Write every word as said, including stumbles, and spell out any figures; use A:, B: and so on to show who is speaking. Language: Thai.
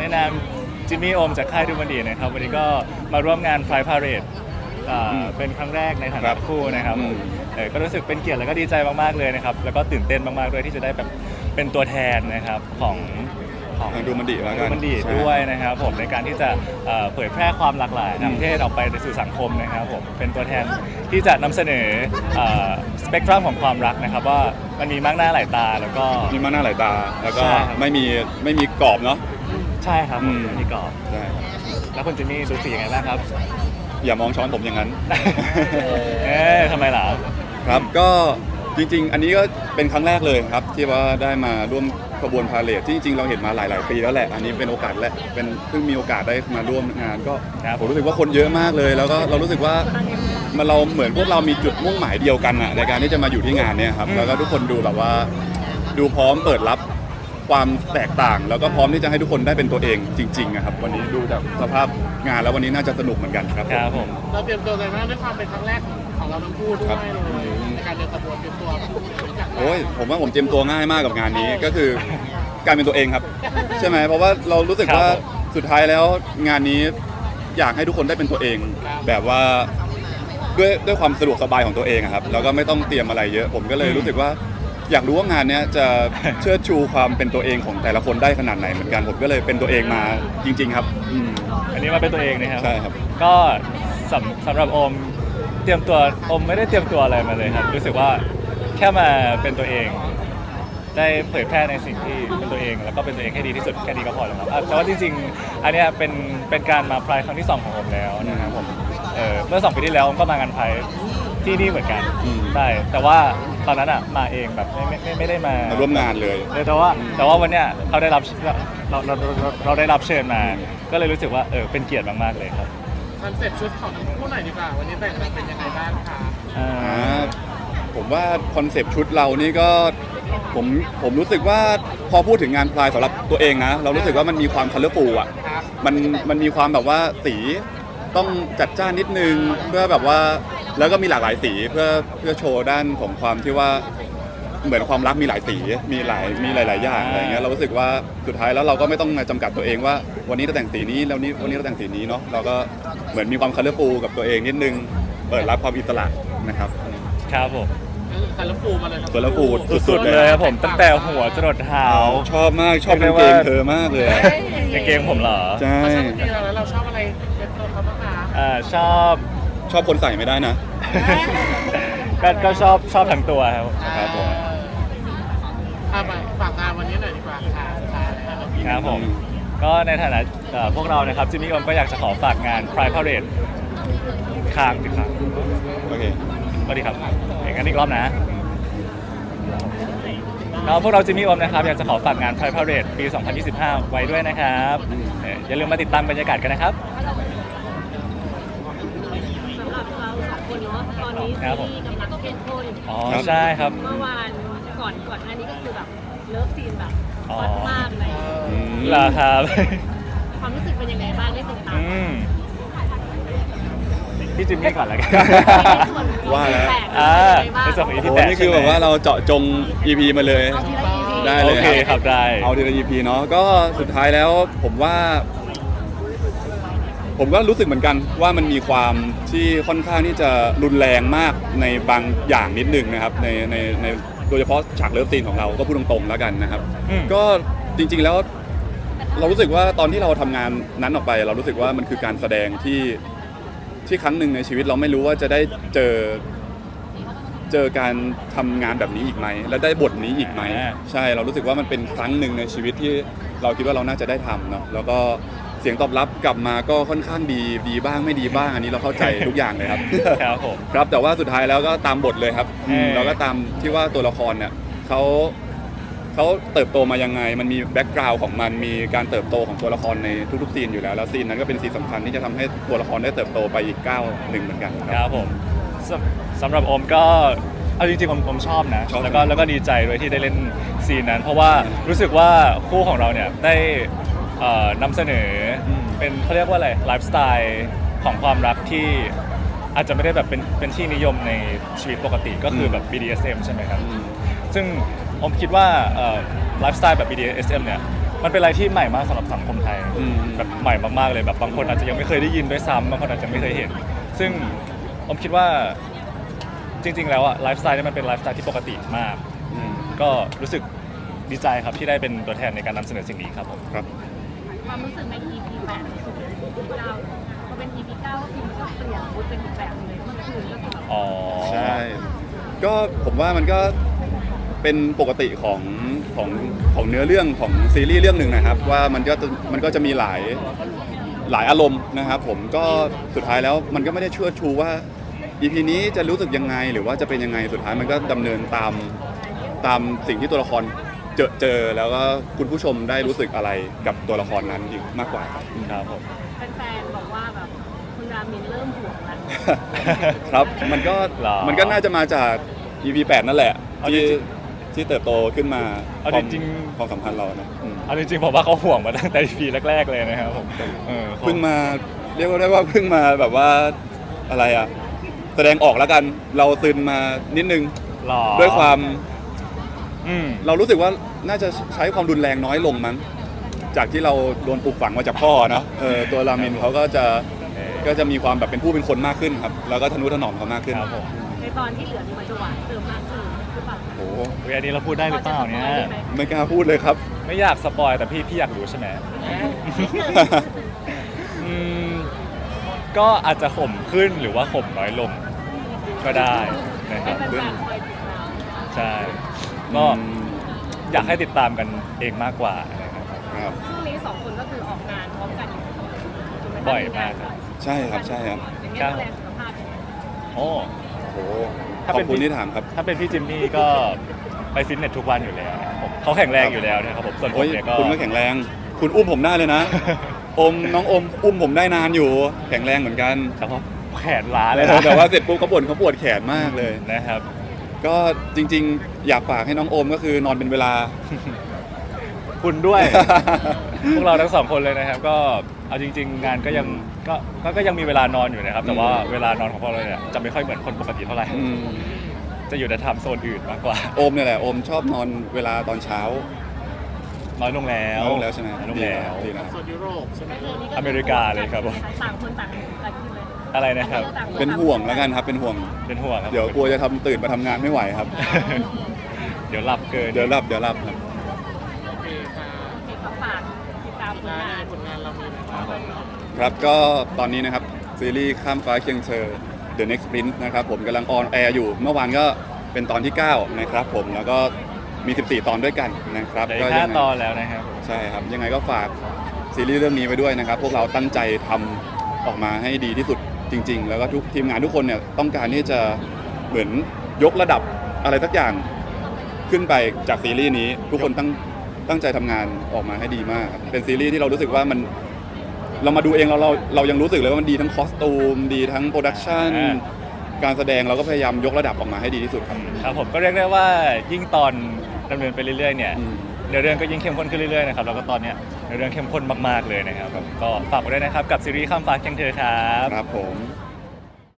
A: นามจิมมี่โอมจากค่ายดูมันดีนะครับวันนี้ก็มาร่วมงาน Pride Parade เป็นครั้งแรกในฐานะคู่นะครับก็รู้สึกเป็นเกียรติและก็ดีใจมากๆเลยนะครับแล้วก็ตื่นเต้นมากๆด้วยที่จะได้แบบเป็นตัวแทนนะครับของ
B: ของดูมันดีแล้วกัน
A: ดูมันดีด้วยนะครับผมในการที่จะเผยแพร่ความหลากหลายทางเพศออกไปในสู่สังคมนะครับผมเป็นตัวแทนที่จะนำเสนอสเปกตรัมของความรักนะครับว่ามันมีมากหน้าหลายตาแล้วก็
B: มีมากหน้าหลายตาแล้วก็ไม่มีไม่มีกรอบเนาะ
A: ใช่ครับไม่มีกรอบ
B: ใช่
A: แล้วคุณจิมมี่รู้สึกยังไงบ้างครับ
B: อย่ามองช้อนผมอย่างนั้น
A: เอ๊ะทำไมล่ะ
B: ครับก็จริงๆอันนี้ก็เป็นครั้งแรกเลยครับที่ว่าได้มาร่วมขบวนพาเหรดที่จริงๆเราเห็นมาหลายๆปีแล้วแหละอันนี้เป็นโอกาสแรกเป็นเพิ่งมีโอกาสได้มาร่วมงานก็ผมรู้สึกว่าคนเยอะมากเลยแล้วก็เรารู้สึกว่ามันเราเหมือนพวกเรามีจุดมุ่งหมายเดียวกันอะในการที่จะมาอยู่ที่งานเนี่ยครับแล้วก็ทุกคนดูแบบว่าดูพร้อมเปิดรับความแตกต่างแล้วก็พร้อมที่จะให้ทุกคนได้เป็นตัวเองจริงๆครับวันนี้ดูจากสภาพงานแล้ววันนี้น่าจะสนุกเหมือนกันครับ
A: ครับผม
C: เราเตรียมตัวกันมากด้วยความเป็นครั้งแรกของเราทั้งคู่ด้วยในการเดินขบวนเตรียมตัว
B: โอ้ยผมว่าผมเตรียมตัวง่ายมากกับงานนี้ก็คือการเป็นตัวเองครับใช่ไหมเพราะว่าเรารู้สึกว่าสุดท้ายแล้วงานนี้อยากให้ทุกคนได้เป็นตัวเองแบบว่าด้วยด้วยความสะดวกสบายของตัวเองครับแล้วก็ไม่ต้องเตรียมอะไรเยอะผมก็เลยรู้สึกว่าอยากรู้ว่างานนี้จะเชิดชูความเป็นตัวเองของแต่ละคนได้ขนาดไหนเหมือนกันผมก็เลยเป็นตัวเองมาจริงๆครับ
A: อันนี้มาเป็นตัวเองนะครับ
B: ใช่ครับ
A: ก็สำสำหรับโอมเตรียมตัวโอมไม่ได้เตรียมตัวอะไรมาเลยครับรู้สึกว่าแค่มาเป็นตัวเองได้เผยแพร่ในสิ่งที่เป็นตัวเองแล้วก็เป็นตัวเองให้ดีที่สุดแค่นี้ก็พอแล้วครับแต่ว่าจริงๆอันนี้เป็นเป็นการมาไพร์ครั้งที่สองของผมแล้วนะครับผมเออเมื่อสองปีที่แล้วผมก็มางานไพร์ที่นี่เหมือนกันใช่แต่ว่าตอนนั้นอ่ะมาเองแบบไม่ไม่ไม่ได้มา
B: ร่วมงานเลย
A: แต่ว่าแต่ว่าวันเนี้ยเขาได้รับเราเราเราได้รับเชิญมาก็เลยรู้สึกว่าเออเป็นเกียรติมากๆเลยครับ
C: คอนเซ็ปต์ชุดของทั้งคู่หน่อยดีกว่าวันนี้แต่งเป็นยังไงบ้างคะ
B: อ่าผมว่าคอนเซ็ปต์ชุดเรานี่ก็ผมผมรู้สึกว่าพอพูดถึงงานพลายสำหรับตัวเองนะเรารู้สึกว่ามันมีความคัลเลอร์ฟูลอ่ะมันมันมีความแบบว่าสีต้องจัดจ้านนิดนึงเพื่อแบบว่าแล้วก็มีหลากหลายสีเพื่อเพื่อโชว์ด้านของความที่ว่าเหมือนความรักมีหลายสีมีหลายมีหลาย ๆ อย่างอะไรเงี้ยเรารู้สึกว่าสุดท้ายแล้วเราก็ไม่ต้องมาจำกัดตัวเองว่าวันนี้เราแต่งสีนี้แล้วนี้วันนี้เราแต่งสีนี้เนาะเราก็เหมือนมีความคัลเลอร์ฟูลกับตัวเองนิดนึงเปิดรับความอิสระนะครับ
A: ครับผม
C: คัลเลอร์ฟูลมาเลยครับ
B: คัลเลอร์ฟูล
A: สุดๆเลยครับผมตั้งแต่หัวจรดเท้า
B: ชอบมากชอบกางเกงเธอมากเลย
A: กางเกงผมเหรอ
B: ใช่
C: แล้วเราชอบอะไรเป็นตัวเขาบ้างคะ
A: อ่าชอบ
B: ชอบคนใส่ไม่ได้นะ
A: ก็ก็ชอบชอบทั้งตัวครับ
B: ครับผม
C: เอาไปฝากงานวันนี้หน่อยดีกว่าค่ะ
A: ครับผมก็ในฐานะพวกเรานะครับจิมมี่โอมก็อยากจะขอฝากงาน Pride Parade ค้างอีกครั้ง
B: โอเค
A: สวัสดีครับอย่างนั้นอีกรอบนะแล้วพวกเราจิมมี่โอมนะครับอยากจะขอฝากงาน Pride Parade ปี สองพันยี่สิบห้า ไว้ด้วยนะครับอย่าลืมมาติดตามบรรยากาศกันนะครับ
D: สำหรับเราสองคนเนาะตอนนี้ซีรีส์กำลังเข้มข้น
A: อ๋อใช่ครับ
D: เมื่อวานก่อนก่อนหน้านี้ก็คือแบบเลิฟซีนแบบฮอตมากเลย
A: เหรอครับ
D: ความรู้สึกเป็นยังไงบ้างได้ติดตาม
A: พี่จิมมี่ก่อนแล้วกัน
B: ว่าแล้ว
A: ในส่วนของ อี พี
B: แปด
A: นี่
B: คือแบบว่าเราเจาะจง อี พี มาเลยได้เลย
A: โอเคครับได้
B: เอาทีละ อี พี เนาะก็สุดท้ายแล้วผมว่าผมก็รู้สึกเหมือนกันว่ามันมีความที่ค่อนข้างที่จะรุนแรงมากในบางอย่างนิดนึงนะครับในในในโดยเฉพาะฉากเลิฟซีนของเราก็พูดตรงๆแล้วกันนะครับก็จริงๆแล้วเรารู้สึกว่าตอนที่เราทำงานนั้นออกไปเรารู้สึกว่ามันคือการแสดงที่ที่ครั้งหนึ่งในชีวิตเราไม่รู้ว่าจะได้เจอเจอการทำงานแบบนี้อีกไหมและได้บทนี้อีกไหมใช่เรารู้สึกว่ามันเป็นครั้งหนึ่งในชีวิตที่เราคิดว่าเราน่าจะได้ทำเนาะแล้วก็เสียงตอบรับกลับมาก็ค่อนข้างดีดีบ้างไม่ดีบ้างอันนี้เราเข้าใจทุกอย่างเลยครับ
A: ครับผม
B: ครับแต่ว่าสุดท้ายแล้วก็ตามบทเลยครับเราก็ตามที่ว่าตัวละครเนี่ยเขาเขาเติบโตมายังไงมันมีแบ็กกราวด์ของมันมีการเติบโตของตัวละครในทุกๆซีนอยู่แล้วแล้วซีนนั้นก็เป็นซีนสำคัญที่จะทำให้ตัวละครได้เติบโตไปอีกก้าวหนึ่งเหมือนกัน
A: ครับผมสำหรับโอมก็เอาจริงๆผมผมชอบนะแล้วก็แล้วก็ดีใจด้วยที่ได้เล่นซีนนั้นเพราะว่ารู้สึกว่าคู่ของเราเนี่ยได้นำเสนอเป็นเขาเรียกว่าอะไรไลฟ์สไตล์ของความรักที่อาจจะไม่ได้แบบเป็นเป็นที่นิยมในชีวิตปกติก็คือแบบ บี ดี เอส เอ็ม ใช่ไหมครับซึ่งผมคิดว่าไลฟ์สไตล์แบบ บี ดี เอส เอ็ม เนี่ยมันเป็นอะไรที่ใหม่มากสำหรับสังคมไทย
B: อืม
A: แบบใหม่มากๆเลยแบบบางคนอาจจะยังไม่เคยได้ยินด้วยซ้ำบางคนอาจจะไม่เคยเห็น ซึ่งผมคิดว่าจริง ๆ แล้วอะไลฟ์สไตล์เนี่ยมันเป็นไลฟ์สไตล์ที่ปกติมาก
B: อืม
A: ก็รู้สึกดีใจครับที่ได้เป็นตัวแทนในการนำเสนอสิ่งนี้ครับผม
B: ครับ
D: ความรู้สึกใน อี พี แปดสู่ อี พี เก้าพอเป็น อี พี เก้าก็คือมันก็เปลี่ยนมูดเป็นอีกแบบเลยเมื่อคืนก็คือแบบ
A: อ๋อ
B: ใช่ ก็ผมว่ามันก็เป็นปกติของของของเนื้อเรื่องของซีรีส์เรื่องหนึ่งนะครับ ว่ามันก็จะมันก็จะมีหลายหลายอารมณ์นะครับผมก็สุดท้ายแล้วมันก็ไม่ได้เชื่อชูว่า อี พี นี้จะรู้สึกยังไงหรือว่าจะเป็นยังไงสุดท้ายมันก็ดำเนินตามตามสิ่งที่ตัวละครเจอเจอแล้วก็คุณผู้ชมได้รู้สึกอะไรกับตัวละครนั้นอีกมากกว่าครับ
A: ครับผม
D: แฟนๆบอกว่าแบบคุณรามินเริ่มห่วงแล้ว
B: ครับ มันก็
A: หรอ
B: มันก็น่าจะมาจาก อี พี แปดนั่นแหละ
A: เอาจ
B: ที่
A: ริง
B: ที่เติบโตขึ้นมา
A: เอา
B: ความ
A: จริง
B: ความสัมพันธ์เรานะอืม
A: เอาจริงๆผมว่าเขาห่วงมาตั้งแต่ อี พี แรก ๆ เลยนะครับผมเออ
B: เพิ่งมาเรียกว่าได้ว่าเพิ่งมาแบบว่าอะไรอ่ะ แสดงออกแล้วกันเราซึนมานิดนึง
A: หรอ
B: ด้วยความ
A: อืม
B: เรารู้สึกว่าน่าจะใช้ความรุนแรงน้อยลงมั้งจากที่เราโดนปลูกฝังมาจากพ่อเนอะเออตัวรามินเขาก็จะก็จะมีความแบบเป็นผู้เป็นคนมากขึ้นครับ แล้วก็ทนุถนอมเขามากขึ้น
A: ครับผม
D: ในตอนที่เหลือนี่มันจะหวานเติมมากขึ้นหรือเปล่า
B: โอ้โห
A: อุ๊ยอันนี้เราพูดได้หรือเปล่าเนี่ย
B: ไม่กล้าพูดเลยครับ
A: ไม่อยากสปอยแต่พี่พี่อยากรู้ใช่ไหมอืมก็อาจจะข่มขึ้นหรือว่าข่มน้อยลงก็ได้นะค
D: ให้
A: รับ
D: แฟนๆคอยติดตาม
A: ใช่ก็อยากให้ติดตามกันเองมากกว่านะครับ
B: ครับ
D: ช่วงนี้สองคนก็คือออกงานพร้อมกันอยู่ถูไห
A: บ่อยมากครับ
B: ใช่ครับใช่ครับ
D: อย่างเงี้ยดูแลสุขภาพยังไง
A: โอ้
B: โอ้โห
A: ถ้า
B: ข
A: เป็
B: อน บคุณ
A: พี่
B: ที่ถามครับ
A: ถ้าเป็นพี่จิมมี่ก็ไปฟิตเนสทุกวันอยู่แล้วนะครับผมเขาแข็งแรงอยู่แล้วนะครับผมส่วนผ
B: โอ้
A: ม
B: ย
A: เนี่ยก็
B: คุณก็แข็งแรง คุณอุ้มผมได้เลยนะ อมน้องอมอุ้มผมได้นานอยู่ แข็งแรงเหมือนกัน
A: แต่ว่าแขนล้าเลยนะ
B: แต่ว่าเสร็จปุ๊บเขาบ่นเขาปวดแขนมากเลย
A: นะครับ
B: ก็จริงๆ อยากฝากให้น้องโอมก็คือนอนเป็นเวลา
A: คุณด้วย พวกเราทั้งสองคนเลยนะครับ ก็เอาจริง ๆ งานก็ยังก็ก็ก็ยังมีเวลานอนอยู่นะครับ แต่ว่าเวลานอนของพวกเราเนี่ยจะไม่ค่อยเหมือนคนปกติเท่าไหร่
B: อืม
A: จะอยู่ในไทม์โซนอื่นมากกว่า
B: โอมเนี่ยแหละโอมชอบนอนเวลาตอนเช้า
A: น้อยลงแล้ว
B: น้อยลงแล้วใช่ไหม
A: น้อยลงแล้ว
B: ดีนะ
C: ส่วนยุโรปใช่ไหม
D: ก็คือนี่ก็
A: อเมริกาเลยครับผม
D: ต่างคนต่างต่างขึ้นเลย
A: อะไรนะครับ
D: ต่างค
B: เป็นห่วงแล้วกันครับ เป็นห่วง
A: เป็นห่วงครับ
B: เดี๋ยวกลัวจะทำตื่นมาทำงานไม่ไหวครับ
A: เดี๋ยวหลับเกิน
B: เดี๋ยวรับเดี๋ยวรับครับ
C: โอเคค่ะ
D: โอเคก็ฝากติดตามผล
C: งาง
D: าน น
C: ผลงานเรามีอะไร
A: ครั
C: บ้า
A: บ
C: ง
A: ผม
B: ครับก็ตอนนี้นะครับ ซีรีส์ข้ามฟ้าเคียงเธอ The Next Prince นะครับผมกำลังออนแอร์อยู่ เมื่อวานก็เป็นตอนที่ เก้า นะครับผมแล้วก็มี สิบสี่ ตอนด้วยกันนะครับ
A: เหลือ
B: ก็
A: อีกห้า
B: ยังไง
A: ตอนแล้วนะครับผม
B: ใช่ครับ ยังไงก็ฝากซีรีส์เรื่องนี้ไว้ด้วยนะครับ พวกเราตั้งใจทำออกมาให้ดีที่สุดจริง ๆ แล้วก็ทุกทีมงานทุกคนเนี่ยต้องการที่จะเหมือนยกระดับอะไรสักอย่างขึ้นไปจากซีรีส์นี้ ทุกคนตั้งตั้งใจทำงานออกมาให้ดีมากครับเป็นซีรีส์ที่เรารู้สึกว่ามันเรามาดูเองเราเราเรายังรู้สึกเลยว่ามันดีทั้งคอสตูมดีทั้งโปรดักชันการแสดงเราก็พยายามยกระดับออกมาให้ดีที่สุดครับ
A: ครับผมก็เรียกได้ว่ายิ่งตอนดำเนินไปเรื่อยๆเนี่ย
B: อืม
A: เนื้อเรื่องก็ยิ่งเข้มข้นขึ้นเรื่อยๆนะครับแล้วก็ตอนเนี้ยเนื้อเรื่องเข้มข้นมากๆเลยนะครับก็ฝากไว้ด้วยนะครับกับซีรีส์ข้ามฟ้าเคียงเธอครับ
B: ครับผม